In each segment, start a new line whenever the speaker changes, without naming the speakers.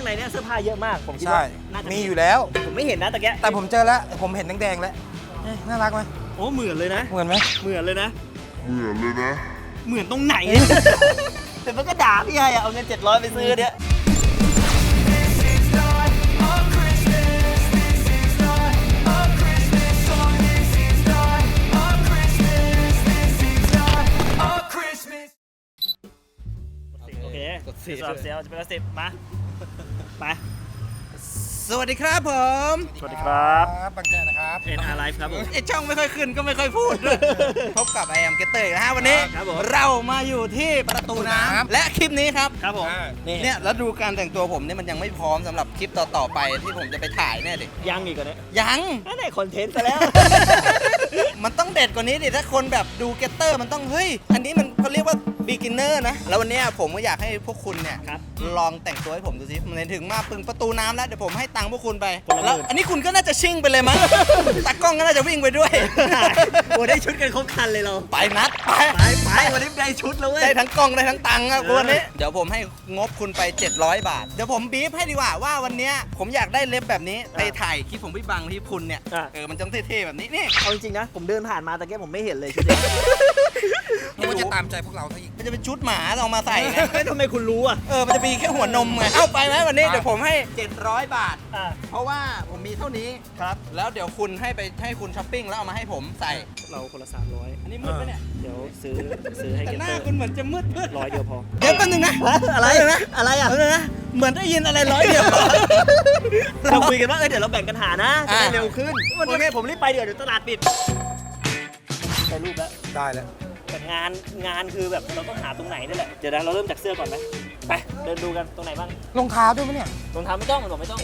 ในเนี่ยเสื้อผ้าเยอะมากผมคิด
ใช่
ว่าน่าจะ
มีอยู่แล้ว
ผมไม่เห็นนะตะแกะ
แต่ผมเจอแล้วผมเห็นแดงๆแล้วน่ารักไหม
โอ้เหมือนเลยนะ
เหมือนไหม
เหมือนเลยนะเหมือนตรงไหน แต่มันก็ด่าพี่ไงเอาเงิน700ไปซื้อเนี่ยโอเคเสียจะเป็น10มาไป
สวัสดีครับผม
สวัสดีครับ
บังแจนะครับ
NR Live ครับผม
ไอช่องไม่ค่อยขึ้นก็ไม่ค่อยพูดด้วยพบกับไอแอมเกตเตอร์นะฮะวันนี้
ครับผม
เรามาอยู่ที่ประตูน้ำและคลิปนี้ครับ
ครับผม
เนี่ยแล้วดูการแต่งตัวผมเนี่ยมันยังไม่พร้อมสำหรับคลิปต่อๆไปที่ผมจะไปถ่ายเนี่ยดิ
ยังอีกเหรอเนี่ย
ยัง
นั่นไหนคอนเทนต์ซะแล้ว
มันต้องเด็ดกว่านี้ดิถ้าคนแบบดูเกตเตอร์มันต้องเฮ้ยอันนี้มันเขาเรียกว่า beginner นะแล้ววันเนี้ยผมก็อยากให้พวกคุณเนี่ย
ครับ
ลองแต่งตัวให้ผมดูสิมันถึงมาปึงประตูน้ำแล้วเดี๋ยวผมให้ตังค์พวกคุณไป
คนละหมื่น
แล้วอันนี้คุณก็น่าจะชิ่งไปเลยมั้ง ตากล้องก็น่าจะวิ่งไปด้วย
โอ้ได้ชุดกันครบคันเลยเรา
ไปนัดไป
ไปวันนี้ได้ชุดแล้วเว้ย
ได้ทั้งกล้องได้ทั้งตังค์อะวันนี้เดี๋ยวผมให้งบคุณไป700 บาทเดี๋ยวผมบีฟให้ดีกว่าว่าวันเนี้ยผมอยากได้เล็บแบบนี้ไปถ่ายคลิปผมพี่บังที่คุณเนี่ยมันต้องเท่ๆแบบนี้นี่
เอาจริงๆนะผมเดินผ่านมาตะเกียบผมไม่เห็นเลยชุดนี้
มันจะตามใจพวกเราซะอีกมันจะเป็นชุดหมาเรามาใส่ไง
ไม่ทำไมคุณรู้อ่ะ
มันจะมีแค่หัวนมไงเอาไปไหมวันนี้เดี๋ยวผมให้700 บาท
อ่า
เพราะว่าผมมีเท่านี้
ครับ
แล้วเดี๋ยวคุณให้คุณช้อปปิ้งแล้วเอามาให้ผมใส่
เราคนละ300
อันนี้มืดปะเนี่ย
เดี๋ยวซื้อให้
แต่
เกต
หน้า
เตอร์
คุณเหมือนจะมืด
100 เดียวพอ
เดี๋ยวแป๊บนึงนะ
อะไร
แป๊บนึงนะ
อะไรอ่ะ
แป๊บนึงนะเหมือนได้ยินอะไรร้อยเดียว
เราคุยกันว่าเดี๋ยวเราแบ่งกันหานะจะได้
อ่า
เร็วขึ้นโอเคผมรีบไปเดี๋ยวตลาดปิดได้รูปแล้ว
ได้แล้ว
แต่งานคือแบบเราต้องหาตรงไหนนี่แหละเดี๋ยวนะเราเริ่มจากเสื้อก่อนไหมไปเดินดูกันตรงไหนบ้าง
รองเท้าด้วยมั้ยเนี่ย
รองเท้าไม่ต้องมันบอกไม่ต้อง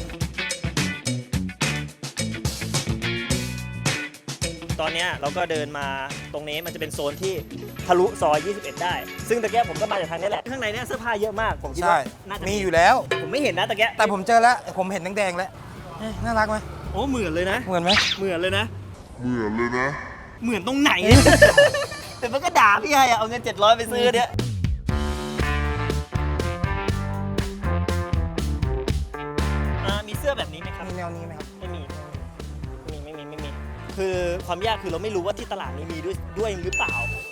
ตอนเนี้ยเราก็เดินมาตรงนี้มันจะเป็นโซนที่ทะลุซอย21ได้ซึ่งตะแกะผมก็มาจากทางนี้แหละข้างในเนี่ยเสื้อผ้าเยอะมากผมคิด
ใช่
ว่าน่าจะ
มีอยู่แล้ว
ผมไม่เห็นนะตะแกะ
แต่ผมเจอแล้วผมเห็นแดงๆแล้วน่ารักไหม
โอ้เหมือนเลยนะ
เหมือนไหม
เหมือนเลยนะ เหมือนตรงไหน แต่มันก็ด่าพี่ไงเอาเงิน700ไปซื้อเนี่ยมีเสื้อแบบนี้ไหมครับ
มีแนวนี้ไหมครับ
ไม่มีคือความยากคือเราไม่รู้ว่าที่ตลาดนี้มีด้วยหรือเปล่า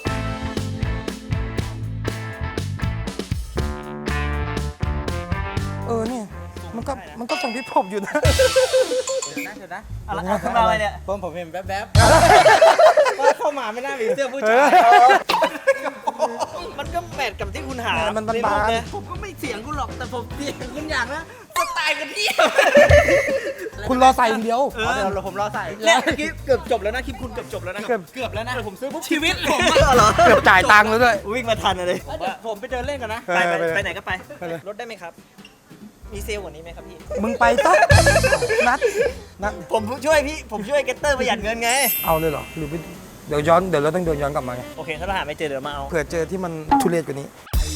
เนี่ยมันก็ส่งที่ผมอยู่นะ
เดี๋ยวนะอะไรเนี่ย
ผมเห็นแวบ
ว่าเข้ามาไม่น่ามีเสื้อผู้ชายมันก็แมทกับที่คุณหา
มัน
ใน
บา
รูป
น
เลยผมก็ไม่เสียงคุณหรอกแต่ผมเสียงคุณอย่างนะสไตล์กันที่
คุณรอใส่อย่างเดียว
เดี๋ยวผมรอใส่เนี่ยเมื่อกี้เกือบจบแล้วนะคลิปคุณเกือบจบแล้วนะ
เกือบแล้วนะ
แต่ผมซื้อปุ๊บ
ชีวิตผม
เหรอ
เกือบจ่ายตังค์แล้วด้วย
วิ่งมาทันเลย
ผมไปเดินเล่นกันนะ
ไปไหนก็ไป
ไปเลย
รถได้ไหมครับ มีเซลล์กว่านี้ไหมครับพี่
มึงไปซะนัด
ผมช่วยเกตเตอร์ประหยัดเงินไง
เอาเลยเหรอหรือเดี๋ยวเราต้องเดินย้อนกลับมาไง
โอเคถ้าเราหาไม่เจอเดี๋ยวมาเอา
เผื่อเจอที่มันทุเรศกว่านี้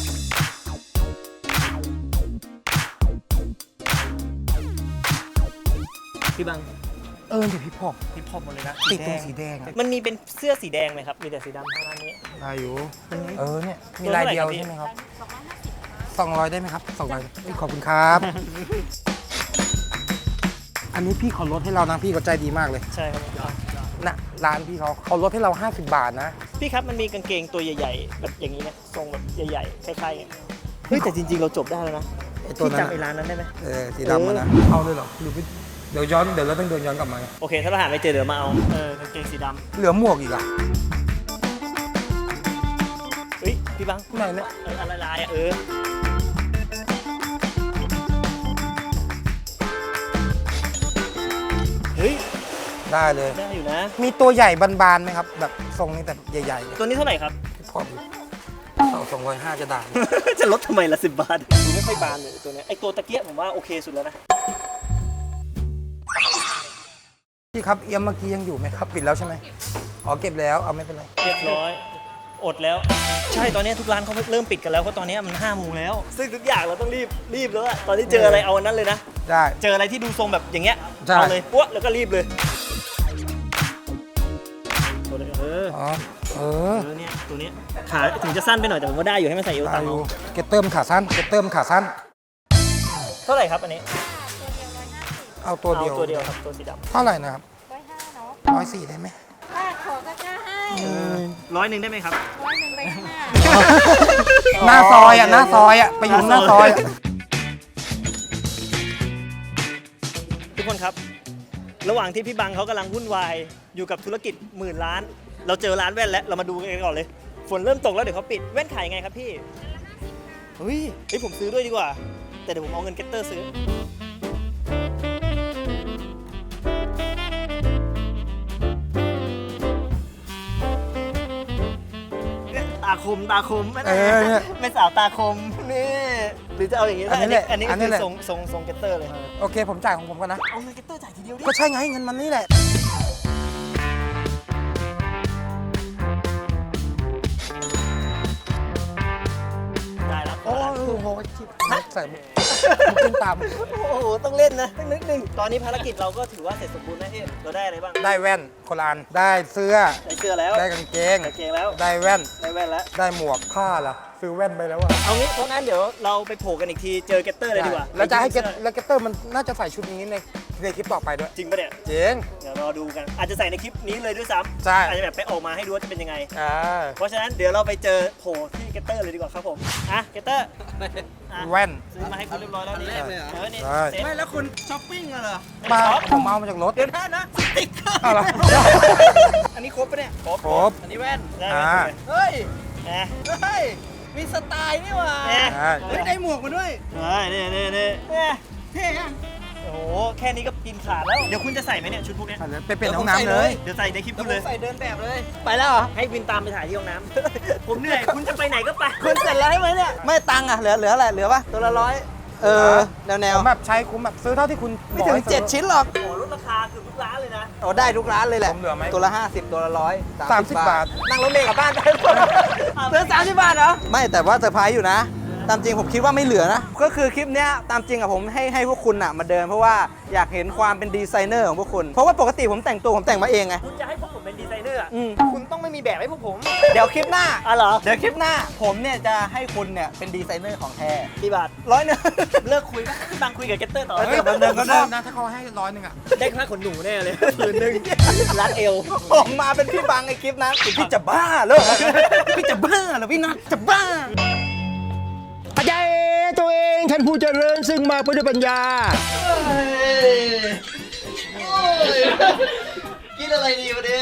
พี่บัง
เดี๋ยวพี่พอก
พี่พอหมดเลยนะ
ติดตรงสีแดงอะ
มันมีเป็นเสื้อสีแดงไหมครับ มีแต่สีดำเท่านั้นนี้
ได้อยู่เนี่ยมีลายเดียวใช่ไหมครับ200ได้ไหมครับ200ขอบคุณครับ อันนี้พี่เขาลดให้เรานะพี่เขาใจดีมากเลย
ใช่ครับ
นะร้านพี่เขาลดให้เรา50 บาทนะ
พี่ครับมันมีกางเกงตัวใหญ่ๆแบบอย่างนี้นะทรงแบบใหญ่ๆคล้ายๆกันเฮ้ยแต่จริงๆเราจบได้แล้วนะ
ไอ้ตัว
พี่
นั้น
จำไอ้ร้านนั้นได้ไหม
สีดำนะเอาเลยเหรอหรือเดี๋ยวเราต้องเดินย้อนกลับมาไง
โอเคถ้าเราหาไม่เจอเดี๋ยวมาเอากางเกงสีด
เหลือหมวกอีกอ่ะ
ำเฮ้ยพี่บัง
ไหนเนี่ย
อะไรลายอ่ะเฮ้ย
ได้เลย
ได้อยู่นะ
มีตัวใหญ่บานๆไหมครับแบบทรงนี้แต่ใหญ่ๆ
ตัวนี้เท่าไหร่ครับ
พอดีเอา250จะได้
จะลดทำไมละ10 บาทดูไม่ค่อยบานเลยตัวเนี้ยไอตัวตะเกียบผมว่าโอเคสุดแล้วนะ
พี่ครับเอี่ยมเมื่อกี้ยังอยู่ไหมครับปิดแล้วใช่ไหมอ๋อเก็บแล้วเอาไม่เป็นไร
เรียบร้อยอดแล้ว ใช่ตอนนี้ทุกร้านเขาเริ่มปิดกันแล้วเพราะตอนนี้มัน5 โมงแล้ว ซึ่งทุกอย่างเราต้องรีบแล้วอะตอนนี้เจออะไรเอาอันนั้นเลยนะ
ได้
เจออะไรที่ดูทรงแบบอย่างเงี้ย
ใช่
เอาเลยปั๊วแล้วก็รีบเลยตัวนี้เนี่ยตัวนี้ขาถึงจะสั้นไปหน่อยแต่ผมว่าได้อยู่ให้มันใส่เอว
ได้
ต่ำ
อยู่
เอา
เก็ตเติมขาสั้น
เท่าไหร่ครับอันนี้
เอาตัวเดียว
ตัวเดียวครับตัวสีดำ
เท่าไหร่นะครับ
150เนาะ
104ได้ไหม
ป้าขอก็กล้าให้
100ได้ไหมครับ
100ไปข้างหน้า
หน้าซอยอ่ะหน้าซอยอ่ะไปอยู่หน้าซอยอะ
ทุกคนครับ ระหว่างที่พี่บังเขากำลังวุ่นวายอยู่กับธุรกิจหมื่นล้าน เราเจอร้านแว่นแล้วเรามาดูกันก่อนเลย ฝนเริ่มตกแล้วเดี๋ยวเขาปิดแว่นขายไงครับพี่เฮ้ยผมซื้อด้วยดีกว่า แต่เดี๋ยวผมเอาเงินเก็ตเตอร์ซื้อตาคมไม่ได้ไม่สาวตาคมนี่หรือจะเอาอย่างนี้
อันนี้แหละ
อันนี้
อัน
คื
นี้
อ
แหละ
ทรงเก็ตเตอร์เลย
โอเคผมจ่ายของผมก่อนนะ
เอาเงินเก็ตเตอร์จ่ายทีเดียวดิ
ก็ใช่ไงเงินมันนี่แหละ
ได้แล้ว
โอ้โหใส่มุกขึ้นตาม
โอ้โหต้องเล่นนะต้องนึกหนึ่งตอนนี้ภารกิจเราก็ถือว่าเสร็จสมบูรณ์นะพี่เราได้อะไรบ้าง
ได้แว่นคนละอันได้เสื้อ
ได้เสื้อแล้ว
ได้กางเกง
กางเกงแล้ว
ได้แว่น
ได้แว่นแล้ว
ได้หมวกผ้าล่ะซื้อแว่นไปแล้วอะ
เอางี้เพราะงั้นเดี๋ยวเราไปโผล่กันอีกทีเจอเก็ตเตอร์เลยดีกว่า
แล้วจะให้เก็ตแล้วเก็ตเตอร์มันน่าจะใส่ชุดนี้ในคลิปต่อไปด้วย
จริงปะเนี่ย
เจ๋ง
เดี๋ยวรอดูกันอาจจะใส่ในคลิปนี้เลยด้วยซ้ำ
ใช่
อาจจะแบบไปออกมาให้ดูว่าจะเป็นยังไง
อ่า
เพราะฉะนั้นเดี๋ยวเราไปเจอโผล่ที่เก็ตเตอร์เลยดีกว่าครับผมอ่ะเก็ตเตอร์อ่ะ
แว่น
ซื้อมาให้คุณเรียบร้อยแล้วนี่
อันแรกเลยเหรอ
นี่
ใช่
เซ็ต
ไม่แล้วคุณช้อปปิ้งเหรอ
มาผมเอามาจากรถ
เดี๋ยวนะสติ๊กเกอร์
เอาเหรอ
อันนี้ครบปะเนี่ย
ครบ
ครบ
อันนี้แว่น
ได้ไหม
เฮ้ย
นะ
เฮ้ย มีสไตล์นี่หว่า
เนี่ย
ใช่
เฮ้ยได้หมวกมาด้วย
นี่เนี่ย
เท่อะ
โอ้โหแค่นี้ก็กินขาดแล้วเดี๋ยวคุณจะใส่ไหมเนี่ยชุดพวกเนี้ย
ไปเปลี่ยนห้องน้ำเลย
เดี๋ยวใส่ในคลิป
แล้ว
คุณ
ผ
เล
ม
ย
ใส่เดินแบบเลย
ไปแล้วเหรอให้วินตามไปถ่ายที่ห้องน้ำ ผมเหนื่อยคุณจะไปไหนก็ไป
คุณเสร็จแล้วใช่ไหมเนี่ย ไม่ตังค์อ่ะ เหลืออะไร เหลือปะตัวละ100แนว
ผมแบบใช้คุ้มแบบซื้อเท่าที่คุณ
ไม่ถึง 7 ชิ้นหรอก
โอ้โหลดราคาเกือบทุกร้านเลยนะ
โอ้ได้ทุกร้านเลยแหละ
ผมเหลือไหม
ตัวละ 50 ตัวละ100
30 บาท
นั่งรถเมล์กลับบ้านได้ซื้อ30 บาทเหรอ ไม่แต่ว่าเซอร์ไพรส์อยู่นะ ตามจริงผมคิดว่าไม่เหลือนะ ก็คือคลิปเนี้ยตามจริงอะผมให้พวกคุณอะมาเดินเพราะว่าอยากเห็นความเป็นดีไซเนอร์ของพวกคุณ เพราะว่าปกติผมแต่งตัวผมแต่งมาเองไง
คุณจะให้พวกผมเป็นดีไซเนอร์อะ
อืม
คุณต้องไม่มีแบบให้พวกผม
เดี๋ยวคลิปหน้า
อ๋อเหรอ
เดี๋ยวคลิปหน้า ผมเนี่ยจะให้คุณเนี่ยเป็นดีไซเนอร์ของแท้
กี่บาท
100
เลิกคุยนะพี่บังคุยกับเก็ตเตอร์ต่อ
เฮ้
เฮ้ย
ย
ผมก็ได้นะถ้าเขาให้100อ่ะ
ได้ค่าขนหนูแน่เลยคืนนึงรัดเอว
ผมมาเป็นพี่บังในคลิปนะพี่จะบ้าเหรอพี่จะบ้าเหรอพี่นัทจะบ้า
อาจารย์ตัวเองท่านผู้เจริญซึ่งมาด้วยปัญญา
กินอะไรดีวันนี้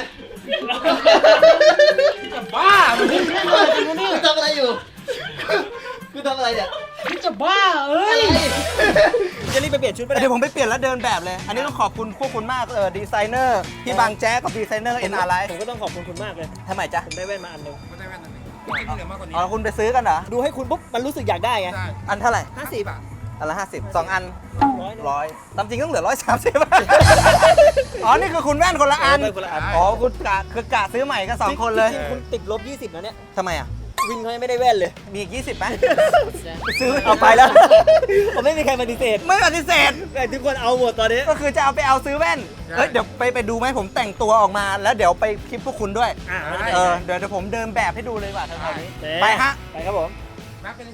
บ้ามัน
คุณทำอะไรอยู่คุณทำอะไรเนี่ย
จะบ้าเอ้ย
จะรีบไปเปลี่ยนชุดไปไหน
เดี๋ยวผมไปเปลี่ยนแล้วเดินแบบเลย อันนี้ต้องขอบคุณพวกคุณมากดีไซเนอร์พี่บางแจ๊กกับดีไซเนอร์เอ็นอาร์ไลท์
ผมก็ต้องขอบคุณคุณมากเลย
ทำไมจ๊ะ
ผมได้แว่นมาอันหนึง
ไม่ได้แว่นนั้นไม่เหลือมากกว่านี้
อ๋อคุณไปซื้อกันเหรอ
ดูให้คุณปุ๊บมันรู้สึกอยากได้ไง
ใช่
อันเท่าไหร่
50
บาท
อันละ50 2 อัน
100
100ตามจริงต้องเหลือ130บาทอ๋อ นี่คือคุณแว่นคนละอัน
คนละอัน
อ๋อ คุณกะซื้อใหม่กัน2คนเลย
จริงๆคุณติดลบ 20นะเนี่ย
ทำไมอ่ะ
วินเขายังไม่ได้แว่นเลย
มีอีก 20ไหมไปซื้อ
เอาไปแล้ว ผมไม่มีใครปฏิเสธ
ไม่ปฏิเสธ
แต่ทุกคนเอาหมดตอนนี้
ก็คือจะเอาไปเอาซื้อแว่น เฮ้ย เดี๋ยวไปดูไหมผมแต่งตัวออกมา แล้วเดี๋ยวไปคลิปพวกคุณด้วย
อ่ะ
เดี๋ยวผมเดินแบบให้ดูเลยดีกว่าแถวๆนี้ ไปฮะ
ไปครับผม
นับไปเลย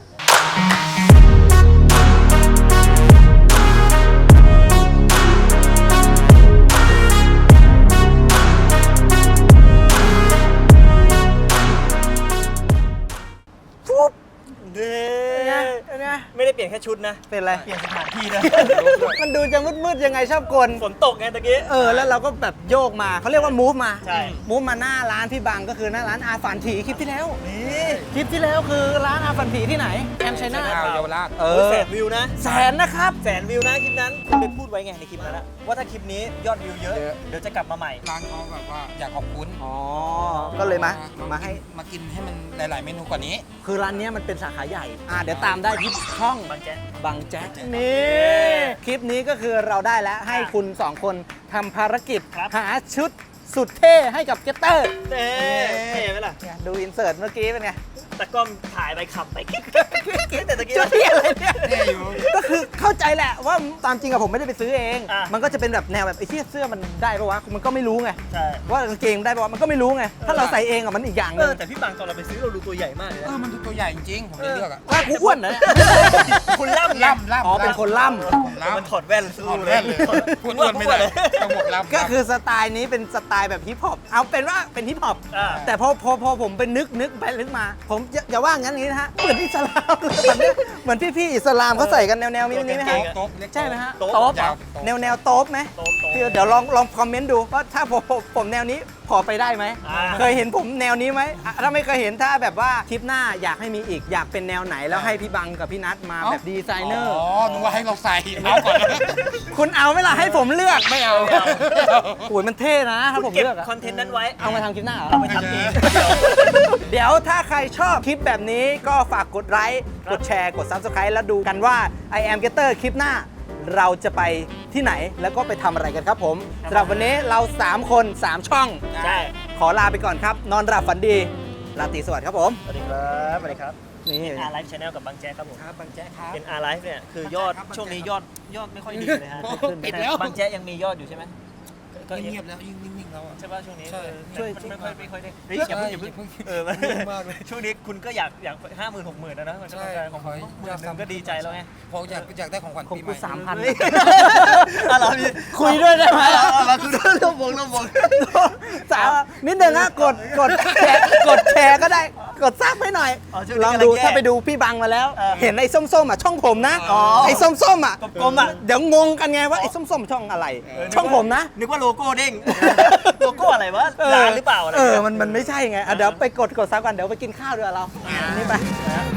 เด้ไม่ได้เปลี่ยนแค่ชุดนะ
เป็นไร
เปลี่ยนสถานที่ด้วย
มันดูจะมืดๆยังไงชอบกล
ฝนตกไงตะกี้
แล้วเราก็แบบโยกมาเขาเรียกว่ามูฟมา
ใช่
มูฟมาหน้าร้านพี่บังก็คือหน้าร้านอาฝันถีคลิปที่แล้วนี่คลิปที่แล้วคือร้านอาฝันถีที่ไหนแอมชัยนาท
ข่าวเยาวราช
เอ
โอ้ย
อ
แสนวิวนะ
แสนนะครับ
แสนวิวนะคลิปนั้นคุณไปพูดไว้ไงในคลิปนั้นอะว่าถ้าคลิปนี้ยอดวิวเยอะ
เยอะ
เดี๋ยวจะกลับมาใหม่
ร้านเขาแบบว่าอยากขอบคุณ
อ๋อก็เลยมาให้
มากินให้มันหลาย ๆ เมนูกว่านี้
คือร้านเนี้ยมันเป็นสาขาใหญ่เดี๋ยวตามได้ที่ช่อง
บางแจ๊ะ
บังแจ็คนี่คลิปนี้ก็คือเราได้แล้วให้คุณ 2 คนทำภารกิจ
ครับ
หาชุดสุดเท่ให้กับเกตเตอร์
เต้เท่ไหมล่ะ
เนี่ยดูอินเสิร์ตเมื่อกี้เป็นไง
ตะกล้องถ่ายไปขับไปกิ๊กแต่ตะกี้
จะเที่ยอะไรเนี่ย
เท่อยู่
ก็คือเข้าใจแหละว่าตามจริงอะผมไม่ได้ไปซื้อเอง
อ่ะ
มันก็จะเป็นแบบแนวแบบไอ้เที่ยเสื้อมันได้ปะวะมันก็ไม่รู้ไง
ใช่
ว่ากางเกงได้ปะวะมันก็ไม่รู้ไงถ้าเราใส่เองอะมันอีกอย่างหนึง
แต่พี่บังตอนเราไปซื้อเราดูตัวใหญ่มากเลยนะ
มันตัวใหญ่จริงผมจะเลือกอ่ะ
ว่ากูอ้วนนะเนี่ย
คุณล่ำไง
ล่ำ
อ๋อเป็นคนล่ำ
มันถอดแว่นสู้
ถอด
เล
แว่
ย
นเลยพูดอ้วนไม่ได้ต้องบอกล่ำ
ก็คือสไตล์นี้เป็นสไตล์แบบฮิปฮอปเอาเป็นว่าเป็นฮิปฮอป
อ่า
แต่พอผมไปนึกไปนึกมา ผมอย่าว่างั้นนี้นะฮะเหมือนอิสลามเลยแบบเนี้ยเหมือนพี่ๆอิสลามเขาใส่กันแนวนี้ไหมฮะ
โต๊ะเล็ก
ใช่ไหมฮะ
โต๊ะ
โต๊ะ
ยาว
แนวโต๊ะไหม
โต๊ะ
พี่เดี๋ยวลองคอมเมนต์ดูว่าถ้าผมแนวนี้พอไปได้ไหม
อ่า
เคยเห็นผมแนวนี้ไหมอ่ะถ้าไม่เคยเห็นถ้าแบบว่าคลิปหน้าอยากให้มีอีกอยากเป็นแนวไหนแล้วให้พี่บังกับพี่นัทมาแบบดีไซเนอร์
อ๋อนึกว่าให้เราใส่เอาก่อน
คุณเอาไหมล่ะให้ผมเลือก
ไม่เอา
โอ้ยมันเท่นะถ้าผม
เก็บ
เลือกอะ
คอนเทนต์นั้นไว้
เอามาทำคลิปหน้าเหรอ
เอาไปทำเอง
เดี๋ยวถ้าใครชอบคลิปแบบนี้ก็ฝากกดไลค์กดแชร์กด Subscribe แล้วดูกันว่า I am Getter คลิปหน้า เราจะไปที่ไหนแล้วก็ไปทำอะไรกันครับผมสำหรับวันนี้เรา 3 คน 3 ช่อง
ใช่
ขอลาไปก่อนครับ นอนหลับฝันดี ราตรีสวัสดิ์ครับผม
สวัสดีครับสวัสดีครับ
นี่
อาร์ไลฟ์ชาแนลกับบางแจ๊กครับผม
ครับบางแจ๊กครับ
เป็นอาร์ไลฟ์เนี่ยคือยอด
ครับ
ช่วงนี้ยอดไม่ค่อยดีเลยฮะ
ปิดแล้ว
บางแจ๊กยังมียอดอยู่ใช่ไหมก็
เงียบแล้วยิ่งนิ่งๆแล้วอ่ะ
ใช่ป่ะช่วงนี้
ใช่
ช่วยไม่ค่อยได้เฮ้ยอย่าเพิ่งเออ
เงียบมากเลย
ช่วงนี้คุณก็อยาก50,000 60,000แล้วนะมันก็
ใช่
ต้องการของผมหมื่นหนึงก็ดีใจแล้วไง
พออยากได้ของขวัญ
ของ
ปีให
กู
ม่
3,000
อะไรพี่
คุยด้วยได้ไหม
เราคือเรื่องวง
สาวนิดนึงนะกดแชร์ก็ได้กดซับให้หน่อย ลองดูถ้าไปดูพี่บังมาแล้ว เห็นไอ้ส้มๆอ่ะช่องผมนะไอ้ส้มๆอ่ะ
กลมๆอ่ะ
เดี๋ยวงงกันไงว่าไอ้ส้มๆช่องอะไร ช่องผมนะ
นึกว่าโลโก้เด้งโลโก้อะไรวะร้านหรือเปล่าอะไร
มันไม่ใช่ไงอ่ะเดี๋ยวไปกดซับกันเดี๋ยวไปกินข้าวด้วยเราอันนี้ไป